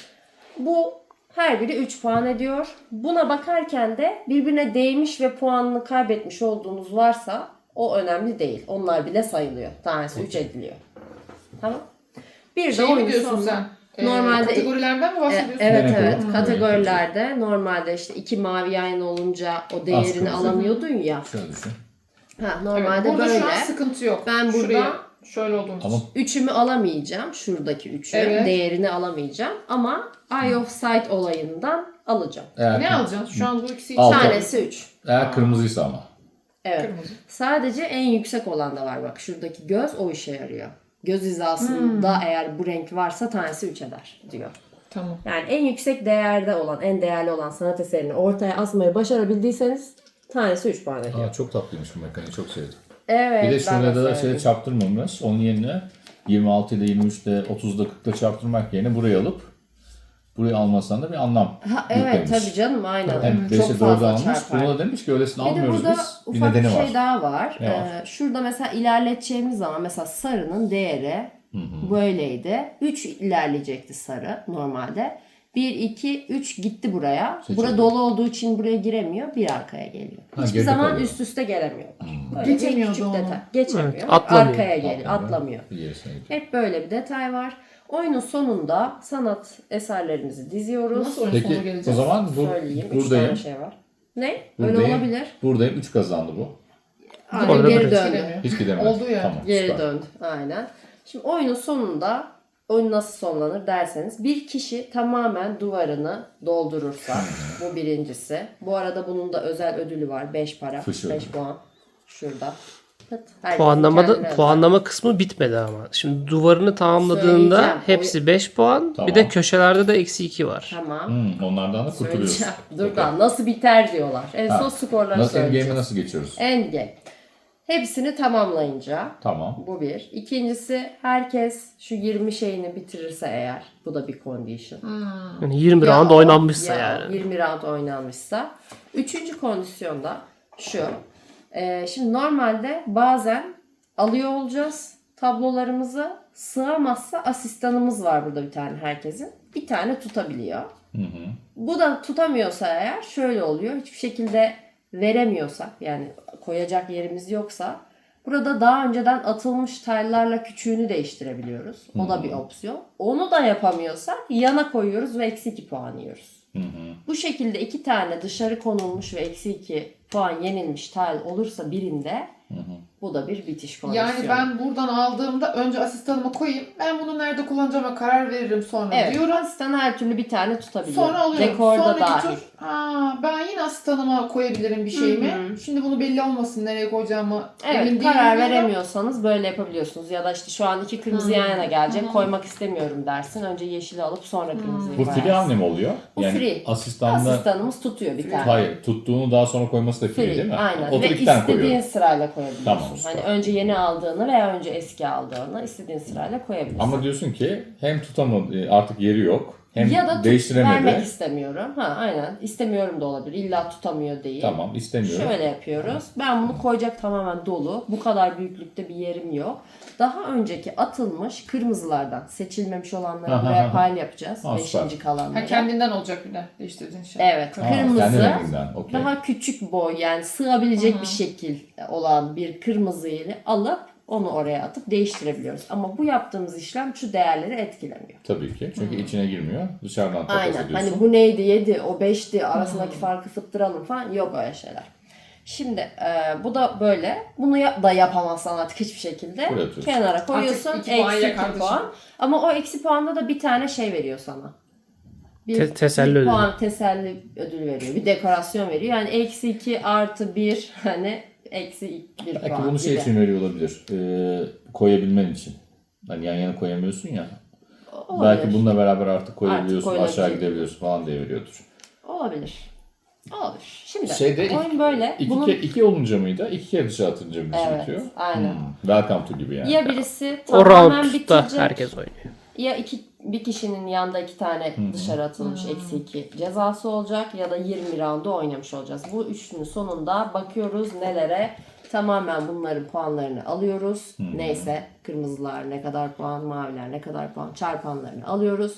[SPEAKER 1] Bu her biri üç puan ediyor. Buna bakarken de birbirine değmiş ve puanını kaybetmiş olduğunuz varsa o önemli değil. Onlar bile sayılıyor. Tanesi üç ediliyor. Tamam. Bir de
[SPEAKER 2] Şey mi
[SPEAKER 1] oyun
[SPEAKER 2] diyorsun
[SPEAKER 1] sonunda-
[SPEAKER 2] sen? Ee,
[SPEAKER 1] Normalde-
[SPEAKER 2] kategorilerden mi
[SPEAKER 1] E,
[SPEAKER 2] bahsediyorsun?
[SPEAKER 1] evet
[SPEAKER 3] Ne
[SPEAKER 1] evet.
[SPEAKER 3] yapıyor?
[SPEAKER 1] Kategorilerde normalde işte iki mavi yan olunca o değerini
[SPEAKER 3] kırmızı.
[SPEAKER 1] alamıyordun ya.
[SPEAKER 3] Şöyle düşün.
[SPEAKER 1] Ha,
[SPEAKER 2] Evet,
[SPEAKER 1] normalde
[SPEAKER 2] burada
[SPEAKER 1] böyle.
[SPEAKER 2] şu an sıkıntı yok.
[SPEAKER 1] Ben burada-
[SPEAKER 2] Şuraya şöyle olduğumuz
[SPEAKER 3] Ama
[SPEAKER 2] için.
[SPEAKER 1] Üçümü alamayacağım. Şuradaki üçü.
[SPEAKER 2] Evet.
[SPEAKER 1] Değerini alamayacağım. Ama Eye of Sight olayından alacağım.
[SPEAKER 3] eğer,
[SPEAKER 2] Ne alacaksın? Şu an bu ikisi
[SPEAKER 3] Al.
[SPEAKER 2] için
[SPEAKER 3] Altı.
[SPEAKER 1] Tanesi üç.
[SPEAKER 3] eğer kırmızıysa ama.
[SPEAKER 1] Evet.
[SPEAKER 2] kırmızı.
[SPEAKER 1] Sadece en yüksek olan da var bak. Şuradaki göz o işe yarıyor. Göz hizasında eğer bu renk varsa tanesi üç eder diyor.
[SPEAKER 2] Tamam.
[SPEAKER 1] Yani en yüksek değerde olan, en değerli olan sanat eserini ortaya asmayı başarabildiyseniz tanesi üç puan ediyor.
[SPEAKER 3] Aa, çok tatlıymış bu mekaniği, çok sevdim.
[SPEAKER 1] Evet.
[SPEAKER 3] Bir de
[SPEAKER 1] ben
[SPEAKER 3] şurada da şey
[SPEAKER 1] sevdim.
[SPEAKER 3] çarptırmamış. Onun yerine yirmi altı ile yirmi üç ile otuzda kırkta çarptırmak yerine burayı alıp burayı almasan da bir anlam
[SPEAKER 1] Ha, evet
[SPEAKER 3] yüklemiş.
[SPEAKER 1] tabii canım aynen.
[SPEAKER 3] Hem
[SPEAKER 1] Çok
[SPEAKER 3] beşe dörde
[SPEAKER 1] fazla
[SPEAKER 3] almış.
[SPEAKER 1] çarpar.
[SPEAKER 3] Buna da demiş ki öylesini
[SPEAKER 1] Bir de
[SPEAKER 3] almıyoruz
[SPEAKER 1] burada
[SPEAKER 3] biz. Bir
[SPEAKER 1] ufak bir
[SPEAKER 3] nedeni
[SPEAKER 1] şey
[SPEAKER 3] var.
[SPEAKER 1] daha var.
[SPEAKER 3] Ne var?
[SPEAKER 1] Ee, şurada mesela ilerleteceğimiz zaman mesela sarının değeri böyleydi. üç ilerleyecekti sarı normalde. bir, iki, üç gitti buraya.
[SPEAKER 3] Seçildi.
[SPEAKER 1] Bura dolu olduğu için buraya giremiyor. Bir arkaya geliyor.
[SPEAKER 3] Ha,
[SPEAKER 1] Hiçbir
[SPEAKER 3] geride
[SPEAKER 1] zaman
[SPEAKER 3] kalıyor.
[SPEAKER 1] üst üste gelemiyorlar. Böyle bir
[SPEAKER 2] Geçemiyordu
[SPEAKER 1] küçük
[SPEAKER 2] onu.
[SPEAKER 1] detay. Geçemiyor.
[SPEAKER 4] Evet, atlamıyor.
[SPEAKER 1] Arkaya geliyor. Atlamıyor.
[SPEAKER 3] Bir gerisine gidiyor.
[SPEAKER 1] Hep böyle bir detay var. Oyunun sonunda sanat eserlerimizi diziyoruz.
[SPEAKER 2] Nasıl oyun sonuna
[SPEAKER 3] Peki
[SPEAKER 2] geleceğiz?
[SPEAKER 3] o zaman bu,
[SPEAKER 1] Söyleyeyim. Üç
[SPEAKER 3] buradayım.
[SPEAKER 1] tane şey var. Ne? Öyle
[SPEAKER 3] Buradayım.
[SPEAKER 1] olabilir.
[SPEAKER 3] Buradayım. üç kazandı bu.
[SPEAKER 1] Aynen
[SPEAKER 4] Orada
[SPEAKER 1] geri
[SPEAKER 4] bir-
[SPEAKER 1] döndü.
[SPEAKER 3] Hiç gidemez.
[SPEAKER 2] Oldu ya.
[SPEAKER 3] Tamam,
[SPEAKER 1] Geri
[SPEAKER 3] süper.
[SPEAKER 1] döndü. Aynen. Şimdi oyunun sonunda oyun nasıl sonlanır derseniz bir kişi tamamen duvarını doldurursa bu birincisi. Bu arada bunun da özel ödülü var. beş para.
[SPEAKER 3] Fış
[SPEAKER 1] beş
[SPEAKER 3] ödülü.
[SPEAKER 1] puan. Şurada. Pıt. Herkesin
[SPEAKER 4] Puanlamada
[SPEAKER 1] kendine özel.
[SPEAKER 4] puanlama kısmı bitmedi ama. Şimdi duvarını tamamladığında
[SPEAKER 1] Söyleyeceğim.
[SPEAKER 4] hepsi beş puan.
[SPEAKER 3] Tamam.
[SPEAKER 4] Bir de köşelerde de eksi iki var.
[SPEAKER 1] Tamam.
[SPEAKER 3] Hmm, onlardan da kurtuluyorsun.
[SPEAKER 1] Söyleyeceğim. Dur da nasıl biter diyorlar. En
[SPEAKER 3] Ha.
[SPEAKER 1] son skorları
[SPEAKER 3] Nasıl,
[SPEAKER 1] söyleyeceğiz.
[SPEAKER 3] endgame'e nasıl geçiyoruz?
[SPEAKER 1] Endgame. Hepsini tamamlayınca
[SPEAKER 3] Tamam.
[SPEAKER 1] bu bir. İkincisi herkes şu yirmi şeyini bitirirse eğer bu da bir condition.
[SPEAKER 4] Yani yirmi
[SPEAKER 1] Ya
[SPEAKER 4] round
[SPEAKER 1] o-
[SPEAKER 4] oynanmışsa
[SPEAKER 1] ya
[SPEAKER 4] yani.
[SPEAKER 1] yirmi round oynanmışsa. Üçüncü kondisyonda şu. Ee, şimdi normalde bazen alıyor olacağız. tablolarımıza sığamazsa asistanımız var burada bir tane herkesin. Bir tane tutabiliyor.
[SPEAKER 3] Hı hı.
[SPEAKER 1] Bu da tutamıyorsa eğer şöyle oluyor. Hiçbir şekilde veremiyorsak yani koyacak yerimiz yoksa burada daha önceden atılmış taylarla küçüğünü değiştirebiliyoruz. O da bir opsiyon. Onu da yapamıyorsak yana koyuyoruz ve eksi iki puan yiyoruz.
[SPEAKER 3] Hı hı.
[SPEAKER 1] Bu şekilde iki tane dışarı konulmuş ve eksi iki puan yenilmiş tile olursa birinde
[SPEAKER 3] Hı hı.
[SPEAKER 1] bu da bir bitiş kondisyonu.
[SPEAKER 2] Yani ben buradan aldığımda önce asistanıma koyayım. Ben bunu nerede kullanacağıma karar veririm sonra
[SPEAKER 1] evet,
[SPEAKER 2] diyorum.
[SPEAKER 1] asistan her türlü bir tane tutabiliyor.
[SPEAKER 2] Sonra alıyorum.
[SPEAKER 1] Dekorda
[SPEAKER 2] Sonraki
[SPEAKER 1] dahil.
[SPEAKER 2] tur ha, ben yine asistanıma koyabilirim bir şeyimi.
[SPEAKER 1] Hı hı.
[SPEAKER 2] Şimdi bunu belli olmasın nereye koyacağımı
[SPEAKER 1] Evet,
[SPEAKER 2] emin değilim.
[SPEAKER 1] karar
[SPEAKER 2] diyorum.
[SPEAKER 1] veremiyorsanız böyle yapabiliyorsunuz. Ya da işte şu an iki kırmızı
[SPEAKER 2] Hmm.
[SPEAKER 1] yan yana gelecek.
[SPEAKER 2] Hı hı.
[SPEAKER 1] Koymak istemiyorum dersin. Önce yeşili alıp sonra kırmızıyı
[SPEAKER 3] Bu
[SPEAKER 1] koyarsın.
[SPEAKER 3] free anne mi oluyor?
[SPEAKER 1] Bu
[SPEAKER 3] yani
[SPEAKER 1] free.
[SPEAKER 3] asistanla
[SPEAKER 1] Asistanımız tutuyor bir tane.
[SPEAKER 3] hayır tuttuğunu daha sonra koyması da free,
[SPEAKER 1] Free,
[SPEAKER 3] değil mi?
[SPEAKER 1] aynen.
[SPEAKER 3] O da
[SPEAKER 1] Ve
[SPEAKER 3] iki tane
[SPEAKER 1] istediğin
[SPEAKER 3] koyuyor.
[SPEAKER 1] sırayla koyabiliyorsun.
[SPEAKER 3] Tamam, süper.
[SPEAKER 1] Hani önce yeni aldığını veya önce eski aldığını istediğin sırayla koyabilirsin.
[SPEAKER 3] Ama diyorsun ki hem tutamadı artık yeri yok hem
[SPEAKER 1] ya da tut-
[SPEAKER 3] değiştiremedi.
[SPEAKER 1] vermek istemiyorum. Ha aynen. İstemiyorum da olabilir. İlla tutamıyor değil.
[SPEAKER 3] Tamam istemiyorum.
[SPEAKER 1] Şöyle yapıyoruz. Ben bunu koyacak tamamen dolu. Bu kadar büyüklükte bir yerim yok. Daha önceki atılmış kırmızılardan seçilmemiş olanları
[SPEAKER 3] Aha,
[SPEAKER 1] buraya
[SPEAKER 3] aha.
[SPEAKER 1] paylı yapacağız.
[SPEAKER 3] Ha,
[SPEAKER 1] Beşinci
[SPEAKER 3] süper.
[SPEAKER 1] kalanları.
[SPEAKER 2] Ha, kendinden olacak bir de değiştirdiğin şey.
[SPEAKER 1] Evet.
[SPEAKER 3] Ha, kendi
[SPEAKER 1] Kırmızı.
[SPEAKER 3] renginden. Okey.
[SPEAKER 1] Daha küçük boy yani sığabilecek bir şekil olan bir kırmızıyı alıp onu oraya atıp değiştirebiliyoruz. Ama bu yaptığımız işlem şu değerleri etkilemiyor.
[SPEAKER 3] Tabii ki. Çünkü içine girmiyor. Dışarıdan takas
[SPEAKER 1] Aynen.
[SPEAKER 3] ediyorsun.
[SPEAKER 1] Hani bu neydi yedi, o beşti arasındaki farkı fıttıralım falan yok öyle şeyler. Şimdi e, bu da böyle. Bunu ya- da yapamazsan artık hiçbir şekilde
[SPEAKER 3] Buraya atıyorsun.
[SPEAKER 1] kenara koyuyorsun.
[SPEAKER 2] Artık iki puan
[SPEAKER 1] Eksi
[SPEAKER 2] ya
[SPEAKER 1] iki
[SPEAKER 2] kardeşim.
[SPEAKER 1] puan. Ama o eksi puanda da bir tane şey veriyor sana. Bir,
[SPEAKER 4] Te- teselli
[SPEAKER 1] bir
[SPEAKER 4] ödülü.
[SPEAKER 1] puan teselli ödülü veriyor. Bir dekorasyon veriyor. Yani eksi iki artı bir hani eksi bir
[SPEAKER 3] Belki
[SPEAKER 1] puan
[SPEAKER 3] bunu şey
[SPEAKER 1] gibi.
[SPEAKER 3] için veriyor olabilir. Ee, koyabilmen için. Hani yan yana koyamıyorsun ya.
[SPEAKER 1] Olabilir.
[SPEAKER 3] Belki bununla beraber artık koyabiliyorsun,
[SPEAKER 1] Artık
[SPEAKER 3] aşağı
[SPEAKER 1] koyulabilir.
[SPEAKER 3] gidebiliyorsun falan diye veriyordur.
[SPEAKER 1] Olabilir. Olabilir. Şimdi
[SPEAKER 3] Şeyde
[SPEAKER 1] oyun
[SPEAKER 3] iki,
[SPEAKER 1] böyle.
[SPEAKER 3] iki,
[SPEAKER 1] Bunun
[SPEAKER 3] ke- iki olunca mıydı? İki kere dışarı atınca mı
[SPEAKER 1] Evet,
[SPEAKER 3] bitiyor?
[SPEAKER 1] aynen.
[SPEAKER 3] Hmm, welcome to gibi yani.
[SPEAKER 1] ya birisi
[SPEAKER 4] O
[SPEAKER 1] tamamen
[SPEAKER 4] roundda
[SPEAKER 1] bitirecek.
[SPEAKER 4] herkes oynuyor.
[SPEAKER 1] Ya iki, bir kişinin yanında iki tane dışarı atılmış eksi iki cezası olacak ya da yirmi roundu oynamış olacağız. Bu üçünün sonunda bakıyoruz nelere, tamamen bunların puanlarını alıyoruz. Neyse kırmızılar ne kadar puan, maviler ne kadar puan çarpanlarını alıyoruz.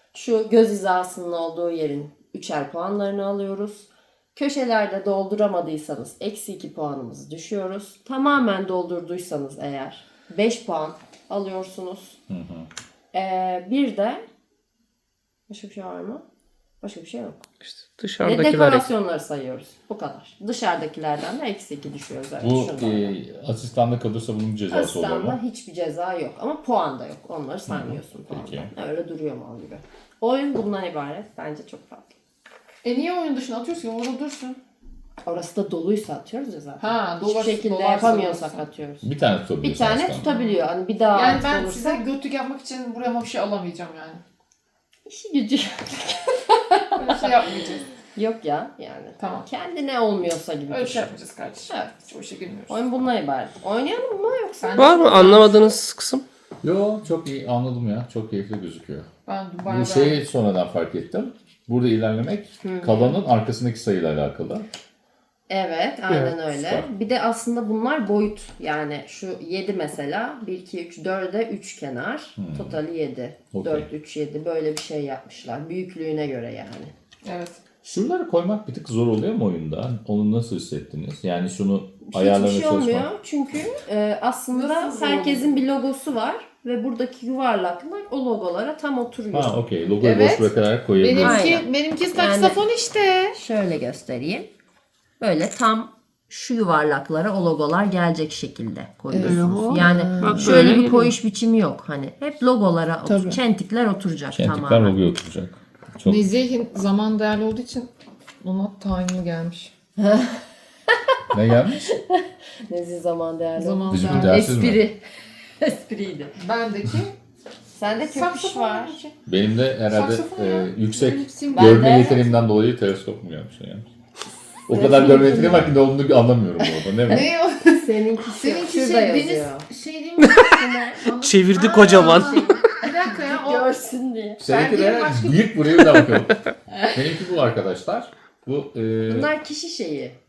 [SPEAKER 1] Şu göz hizasının olduğu yerin üçer puanlarını alıyoruz. Köşelerde dolduramadıysanız eksi iki puanımızı düşüyoruz. Tamamen doldurduysanız eğer beş puan alıyorsunuz.
[SPEAKER 3] Hı hı.
[SPEAKER 1] Ee, bir de başka bir şey var mı? Başka bir şey yok.
[SPEAKER 4] İşte
[SPEAKER 1] Ve
[SPEAKER 4] dışarıdakiler
[SPEAKER 1] dekorasyonları sayıyoruz. Bu kadar. Dışarıdakilerden de eksi iki düşüyoruz. Evet,
[SPEAKER 3] Bu
[SPEAKER 1] şundan.
[SPEAKER 3] e, asistanda kalırsa bunun cezası oluyor
[SPEAKER 1] Asistanda
[SPEAKER 3] mu?
[SPEAKER 1] hiçbir ceza yok. Ama puan da yok. Onları saymıyorsun
[SPEAKER 3] Peki.
[SPEAKER 1] puandan. Öyle duruyor mal gibi. Oyun bundan ibaret. Bence çok farklı.
[SPEAKER 2] E niye oyun dışına atıyorsun ki? Orada dursun.
[SPEAKER 1] Orası da doluysa atıyoruz ya zaten.
[SPEAKER 2] Ha,
[SPEAKER 1] Hiçbir
[SPEAKER 2] dolar-
[SPEAKER 1] şekilde
[SPEAKER 2] dolarsa
[SPEAKER 1] yapamıyorsak
[SPEAKER 2] dolarsa.
[SPEAKER 1] atıyoruz.
[SPEAKER 3] Bir tane
[SPEAKER 1] Bir
[SPEAKER 3] tutabiliyorsun
[SPEAKER 1] tane
[SPEAKER 3] asistanda.
[SPEAKER 1] tutabiliyor. Hani bir daha
[SPEAKER 2] Yani
[SPEAKER 1] artık
[SPEAKER 2] ben
[SPEAKER 1] olursa
[SPEAKER 2] size götlük yapmak için buraya ama bir şey alamayacağım yani.
[SPEAKER 1] işi gücü.
[SPEAKER 2] Öyle şey yapmayacağız.
[SPEAKER 1] Yok ya yani.
[SPEAKER 2] Tamam.
[SPEAKER 1] Kendine olmuyorsa gibi
[SPEAKER 2] Öyle
[SPEAKER 1] düşün.
[SPEAKER 2] şey yapmayacağız kardeşim.
[SPEAKER 1] Evet.
[SPEAKER 2] Hiç o işe girmiyoruz.
[SPEAKER 1] Oyun bundan ibaret. Oynayalım mı yoksa?
[SPEAKER 2] Ben-
[SPEAKER 4] var mı anlamadığınız kısım?
[SPEAKER 3] Yo çok iyi anladım ya. Çok keyifli gözüküyor.
[SPEAKER 2] Ben Dubai'de...
[SPEAKER 3] Bu şeyi sonradan fark ettim. Burada ilerlemek kalanın arkasındaki sayıyla alakalı.
[SPEAKER 1] Evet, aynen
[SPEAKER 4] Evet,
[SPEAKER 1] öyle.
[SPEAKER 3] süper.
[SPEAKER 1] Bir de aslında bunlar boyut. Yani şu yedi mesela bir, iki, üç, dörde üç kenar. Totali yedi.
[SPEAKER 3] Okey.
[SPEAKER 1] dört, üç, yedi böyle bir şey yapmışlar. Büyüklüğüne göre yani.
[SPEAKER 2] Evet.
[SPEAKER 3] Şunları koymak bir tık zor oluyor mu oyunda? Onu nasıl hissettiniz? Yani şunu
[SPEAKER 1] Hiçbir
[SPEAKER 3] ayarlamaya
[SPEAKER 1] şey
[SPEAKER 3] çalışmak.
[SPEAKER 1] olmuyor. Çünkü e, aslında
[SPEAKER 2] Nasıl zor
[SPEAKER 1] herkesin bir logosu var. Ve buradaki yuvarlaklar o logolara tam oturuyor.
[SPEAKER 3] Ha okey. Logoyu
[SPEAKER 2] Evet.
[SPEAKER 3] boş bırakarak koyabiliyorsun.
[SPEAKER 1] Aynen.
[SPEAKER 2] Benimki, benimki
[SPEAKER 1] Yani-
[SPEAKER 2] saksafon işte.
[SPEAKER 1] Şöyle göstereyim. Böyle tam şu yuvarlaklara o logolar gelecek şekilde koyuyorsunuz. Yani
[SPEAKER 4] Bak
[SPEAKER 1] şöyle
[SPEAKER 4] böyle
[SPEAKER 1] bir
[SPEAKER 4] geliyor.
[SPEAKER 1] koyuş biçimi yok. Hani hep logolara,
[SPEAKER 2] Tabii.
[SPEAKER 1] çentikler oturacak
[SPEAKER 3] Kentikler
[SPEAKER 1] tamamen.
[SPEAKER 3] logoya oturacak. Çok
[SPEAKER 2] Nezih'in zaman değerli olduğu için ona tayinli gelmiş.
[SPEAKER 3] ne gelmiş?
[SPEAKER 1] Nezih zaman değerli.
[SPEAKER 2] Zaman
[SPEAKER 3] Bizim
[SPEAKER 2] değerli.
[SPEAKER 3] dersiz mi?
[SPEAKER 1] Espri. Espriydi.
[SPEAKER 2] Bendeki
[SPEAKER 1] Sende köpüş
[SPEAKER 2] saksafon
[SPEAKER 1] var.
[SPEAKER 2] benimki.
[SPEAKER 3] Benim de herhalde
[SPEAKER 2] Saksafon
[SPEAKER 3] e,
[SPEAKER 2] ya.
[SPEAKER 3] yüksek
[SPEAKER 2] Benim sim-
[SPEAKER 3] görme
[SPEAKER 1] Ben de-
[SPEAKER 3] yeteneğimden dolayı teleskop mu gelmiş yani? O kadar görme yeteneğim var ki ne olduğunu anlamıyorum orada. Ne bu?
[SPEAKER 2] Ne o?
[SPEAKER 1] Seninki,
[SPEAKER 2] Seninki
[SPEAKER 1] şurada
[SPEAKER 2] şey
[SPEAKER 1] yazıyor.
[SPEAKER 2] deniz şey değil mi?
[SPEAKER 4] Çevirdi
[SPEAKER 2] Aa,
[SPEAKER 4] kocaman.
[SPEAKER 2] Bir dakika ya. O...
[SPEAKER 1] Görsün diye.
[SPEAKER 3] Seninki
[SPEAKER 2] Ben
[SPEAKER 3] de
[SPEAKER 2] bir başka-
[SPEAKER 3] büyük buraya bir daha bakalım. Benimki bu arkadaşlar. Bu e,
[SPEAKER 1] Bunlar kişi şeyi.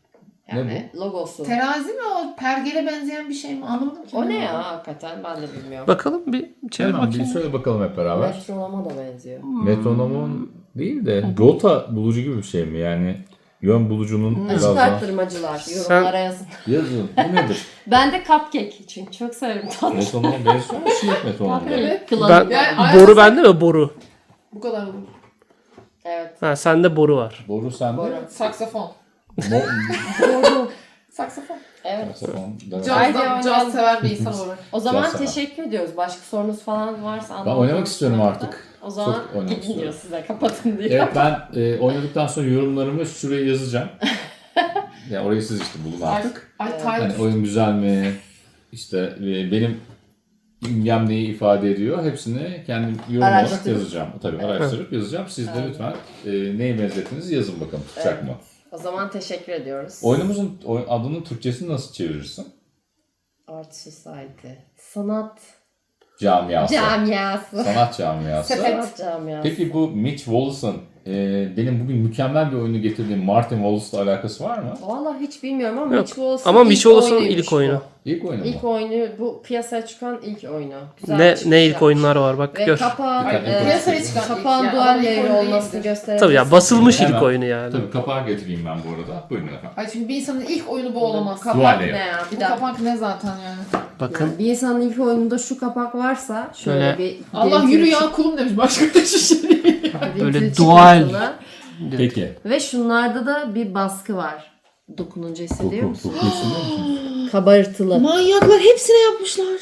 [SPEAKER 1] Yani logosu.
[SPEAKER 2] Terazi mi o? Pergele benzeyen bir şey mi? Anlamadım ki.
[SPEAKER 1] O ne
[SPEAKER 2] ben.
[SPEAKER 1] ya hakikaten ben de bilmiyorum.
[SPEAKER 4] Bakalım bir çevir
[SPEAKER 3] Hemen bir
[SPEAKER 4] bakayım.
[SPEAKER 3] şöyle bakalım hep beraber.
[SPEAKER 1] Metronoma da benziyor.
[SPEAKER 3] Metronomun değil de rota bulucu gibi bir şey mi? Yani yön bulucunun biraz
[SPEAKER 1] Açık
[SPEAKER 3] daha...
[SPEAKER 1] arttırmacılar yorumlara yazın.
[SPEAKER 3] Yazın. Bu nedir?
[SPEAKER 1] Ben de cupcake çünkü çok severim tatlı.
[SPEAKER 3] Metronomun benziyor mu? Şiir metronomun.
[SPEAKER 1] Evet.
[SPEAKER 4] Ben,
[SPEAKER 1] Kılavuz.
[SPEAKER 2] Yani
[SPEAKER 4] boru
[SPEAKER 2] aynen-
[SPEAKER 4] bende mi? Boru.
[SPEAKER 2] Bu kadar olur.
[SPEAKER 1] Evet.
[SPEAKER 4] Ha, sende boru var.
[SPEAKER 3] Boru sende.
[SPEAKER 1] Boru.
[SPEAKER 2] Saksafon.
[SPEAKER 3] Mo-
[SPEAKER 1] Doğru.
[SPEAKER 2] Saksafon.
[SPEAKER 1] Evet.
[SPEAKER 3] Saksafon, evet.
[SPEAKER 1] Haydi
[SPEAKER 2] Cazdan,
[SPEAKER 1] oynayalım.
[SPEAKER 2] caz seven bir insan olarak.
[SPEAKER 1] O zaman
[SPEAKER 3] Güzel sana.
[SPEAKER 1] teşekkür ediyoruz. Başka sorunuz falan varsa
[SPEAKER 3] Ben
[SPEAKER 1] anlatmak
[SPEAKER 3] oynamak istiyorum
[SPEAKER 1] istiyorum
[SPEAKER 3] artık.
[SPEAKER 1] O zaman
[SPEAKER 3] Çok oynamak
[SPEAKER 1] gidin
[SPEAKER 3] istiyorum.
[SPEAKER 1] diyor size kapatın diyor.
[SPEAKER 3] Evet ben e, oynadıktan sonra yorumlarımı şuraya yazacağım. Yani orayı siz işte bulun
[SPEAKER 2] Ay,
[SPEAKER 3] artık.
[SPEAKER 2] ay
[SPEAKER 1] Evet.
[SPEAKER 2] Tayyip.
[SPEAKER 3] Hani oyun güzel mi? İşte e, benim imgem neyi ifade ediyor? Hepsini kendim yorum olarak
[SPEAKER 1] Araştırıp.
[SPEAKER 3] yazacağım. Tabii araştırıp yazacağım. Siz de
[SPEAKER 1] Evet.
[SPEAKER 3] lütfen e, neyi benzettiniz yazın bakalım. Tutacak
[SPEAKER 1] Evet.
[SPEAKER 3] mı?
[SPEAKER 1] O zaman teşekkür ediyoruz.
[SPEAKER 3] Oyunumuzun oyun, adının Türkçesini nasıl çevirirsin?
[SPEAKER 1] Art Society. Sanat
[SPEAKER 3] Camiası.
[SPEAKER 1] camiası.
[SPEAKER 3] Sanat camiası.
[SPEAKER 1] Sanat camiası.
[SPEAKER 3] Peki bu Mitch Wallace'ın e, benim bugün mükemmel bir oyunu getirdiğim Martin Wallace'la alakası var mı?
[SPEAKER 1] Vallahi hiç bilmiyorum ama
[SPEAKER 4] Yok.
[SPEAKER 1] Mitch Wallace'ın
[SPEAKER 4] Ama
[SPEAKER 1] ilk
[SPEAKER 4] Mitch Wallace'ın
[SPEAKER 1] oyunuymuş
[SPEAKER 4] ilk oyunu.
[SPEAKER 1] bu.
[SPEAKER 3] İlk oyunu mu?
[SPEAKER 1] İlk oyunu bu piyasaya çıkan ilk oyunu. Güzel
[SPEAKER 4] Ne
[SPEAKER 1] çıkış
[SPEAKER 4] ne ilk
[SPEAKER 1] yapmış.
[SPEAKER 4] oyunlar var bak
[SPEAKER 1] Ve
[SPEAKER 4] gör.
[SPEAKER 1] kapağı,
[SPEAKER 3] Dikkat edin.
[SPEAKER 1] e,
[SPEAKER 2] Piyasaya çıkan ilk,
[SPEAKER 1] kapağın
[SPEAKER 2] yani
[SPEAKER 1] dual
[SPEAKER 2] ama ilk
[SPEAKER 1] layer
[SPEAKER 2] oyun
[SPEAKER 1] olmasını
[SPEAKER 2] değildir.
[SPEAKER 1] gösterebiliriz.
[SPEAKER 4] Tabii ya basılmış
[SPEAKER 3] Hemen.
[SPEAKER 4] ilk oyunu yani.
[SPEAKER 3] Tabii kapağı getireyim ben bu arada. Buyurun efendim.
[SPEAKER 2] Ay çünkü bir insanın ilk oyunu bu olamaz.
[SPEAKER 3] Dual
[SPEAKER 1] Kapak
[SPEAKER 3] layer.
[SPEAKER 1] ne ya? Bir
[SPEAKER 2] Bu
[SPEAKER 1] dakika.
[SPEAKER 2] kapak ne zaten yani.
[SPEAKER 4] Bakın.
[SPEAKER 1] Yani bir insanın ilk oyununda şu kapak varsa şöyle
[SPEAKER 4] Şöyle.
[SPEAKER 1] bir
[SPEAKER 2] Allah
[SPEAKER 1] girintili
[SPEAKER 2] yürü
[SPEAKER 1] çık-
[SPEAKER 2] ya kulum demiş başka bir şey değil.
[SPEAKER 1] girintili
[SPEAKER 4] Böyle
[SPEAKER 1] çıkıntılı.
[SPEAKER 4] dual.
[SPEAKER 3] Peki.
[SPEAKER 1] Ve şunlarda da bir baskı var. Dokununca hissediyor
[SPEAKER 3] Koku,
[SPEAKER 1] musun?
[SPEAKER 3] koku hissediyor musun?
[SPEAKER 1] Kabartılı.
[SPEAKER 2] Manyaklar hepsine yapmışlar.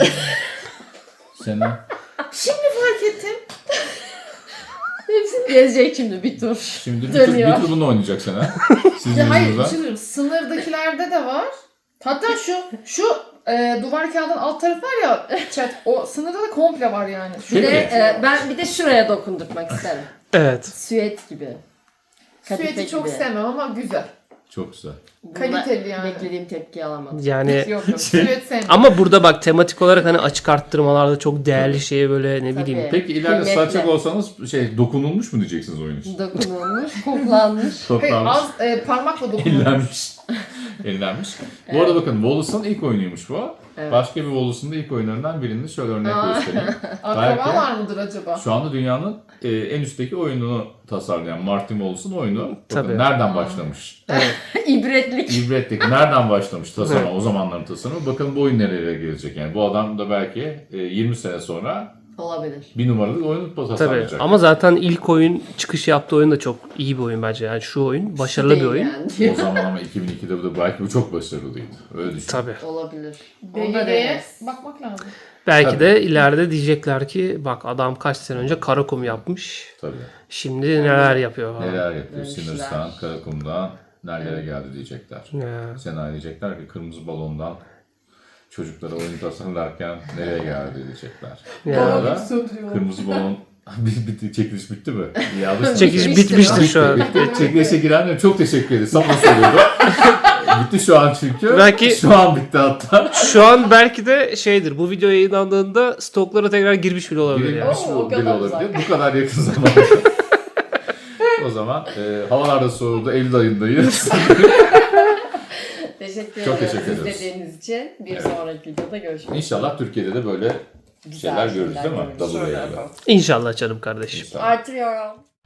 [SPEAKER 3] Sena.
[SPEAKER 2] Şimdi fark ettim.
[SPEAKER 1] Hepsini gezecek şimdi bir tur.
[SPEAKER 3] Şimdi bir tur,
[SPEAKER 1] Dönüyor.
[SPEAKER 3] bir tur bunu oynayacak Sena. Sizin
[SPEAKER 2] Ya hayır,
[SPEAKER 3] yüzünüzden.
[SPEAKER 2] bir şey söyleyeyim. Sınırdakilerde de var. Hatta şu şu e, duvar kağıdının alt tarafı var ya chat. O sınırda da komple var yani. Şu
[SPEAKER 1] Bir
[SPEAKER 3] Peki.
[SPEAKER 1] de e, ben bir de şuraya dokundurmak isterim.
[SPEAKER 4] Evet.
[SPEAKER 1] Süet gibi. Kadife
[SPEAKER 2] süeti çok
[SPEAKER 1] gibi.
[SPEAKER 2] sevmem ama güzel.
[SPEAKER 3] Çok güzel.
[SPEAKER 1] Bunda
[SPEAKER 2] Kaliteli yani.
[SPEAKER 1] Beklediğim tepkiyi alamadım.
[SPEAKER 4] Yani
[SPEAKER 2] Yok yok. Süet sevmem.
[SPEAKER 4] ama burada bak tematik olarak hani açık arttırmalarda çok değerli şeye böyle ne
[SPEAKER 1] Tabii.
[SPEAKER 4] bileyim.
[SPEAKER 3] Peki ileride
[SPEAKER 1] Kıymetli.
[SPEAKER 3] satacak olsanız şey dokunulmuş mu diyeceksiniz oyun için?
[SPEAKER 1] Dokunulmuş, koklanmış.
[SPEAKER 2] Hayır,
[SPEAKER 3] Toplanmış.
[SPEAKER 2] az e, parmakla dokunulmuş.
[SPEAKER 3] Ellenmiş. Ellenmiş. Bu arada bakın Wallace'ın ilk oyunuymuş bu.
[SPEAKER 1] Evet.
[SPEAKER 3] Başka bir Wallace'ın da ilk oyunlarından birini şöyle örnek
[SPEAKER 1] Aa.
[SPEAKER 3] göstereyim.
[SPEAKER 2] Akrabalar mıdır acaba?
[SPEAKER 3] Şu anda dünyanın e, en üstteki oyununu tasarlayan Martin Wallace'ın oyunu. Bakın
[SPEAKER 4] Tabii.
[SPEAKER 3] nereden başlamış?
[SPEAKER 1] İbretlik.
[SPEAKER 3] İbretlik. Nereden başlamış tasarım, o zamanların tasarımı? Bakın bu oyun nereye gelecek yani. Bu adam da belki e, yirmi sene sonra
[SPEAKER 1] Olabilir.
[SPEAKER 3] bir numaralı oyunu
[SPEAKER 4] Tabii.
[SPEAKER 3] tasarlayacak.
[SPEAKER 4] Ama zaten ilk oyun çıkış yaptığı oyun da çok iyi bir oyun bence. Yani şu oyun başarılı bir
[SPEAKER 1] Değil
[SPEAKER 4] oyun.
[SPEAKER 1] yani.
[SPEAKER 3] O zaman ama iki bin ikide bu da belki bu çok başarılıydı. Öyle düşün.
[SPEAKER 4] Tabii.
[SPEAKER 1] Olabilir. Onu da
[SPEAKER 2] B G G'ye
[SPEAKER 1] deneriz.
[SPEAKER 2] bakmak lazım.
[SPEAKER 4] Belki
[SPEAKER 3] Tabii.
[SPEAKER 4] de ileride diyecekler ki bak adam kaç sene önce Karakum yapmış.
[SPEAKER 3] Tabii.
[SPEAKER 4] Şimdi neler yapıyor falan.
[SPEAKER 3] Neler yapıyor?
[SPEAKER 1] Demişler.
[SPEAKER 3] Sinir'den, Karakum'dan nerelere geldi diyecekler.
[SPEAKER 4] Ya.
[SPEAKER 3] Sena diyecekler ki kırmızı balondan çocuklara oyun tasarlarken nereye geldi diyecekler. Bu
[SPEAKER 4] Ya.
[SPEAKER 3] arada
[SPEAKER 2] Söndürüyor.
[SPEAKER 3] kırmızı balon bitti, çekiliş bitti mi? İyi alışmış.
[SPEAKER 4] Çekiliş
[SPEAKER 1] Bitmiştir
[SPEAKER 4] bitmiştir
[SPEAKER 1] o.
[SPEAKER 4] şu an.
[SPEAKER 3] Bitti. Çekilişe girenlere çok teşekkür ederiz. Sana söylüyordu. Bitti şu an çünkü.
[SPEAKER 4] Belki-
[SPEAKER 3] Şu an bitti hatta.
[SPEAKER 4] Şu an belki de şeydir. Bu video yayınlandığında stoklara tekrar girmiş bile olabilir yani.
[SPEAKER 3] Girilmiş
[SPEAKER 1] Oo,
[SPEAKER 3] mi
[SPEAKER 1] o kadar
[SPEAKER 3] bile olabilir.
[SPEAKER 1] uzak.
[SPEAKER 3] Bu kadar yakın zamanda. O zaman e, havalar da soğudu. Eylül ayındayız.
[SPEAKER 1] Teşekkür
[SPEAKER 3] Çok
[SPEAKER 1] ederim
[SPEAKER 3] teşekkür ederiz.
[SPEAKER 1] izlediğiniz için. Bir
[SPEAKER 3] Evet.
[SPEAKER 1] sonraki videoda görüşmek üzere.
[SPEAKER 3] İnşallah Türkiye'de de böyle
[SPEAKER 1] Güzel
[SPEAKER 3] şeyler görürüz değil mi?
[SPEAKER 1] görürüz.
[SPEAKER 3] Double
[SPEAKER 1] Şöyle
[SPEAKER 3] A'yla.
[SPEAKER 1] yapalım.
[SPEAKER 4] İnşallah canım kardeşim.
[SPEAKER 3] İnşallah.
[SPEAKER 1] Artırıyorum.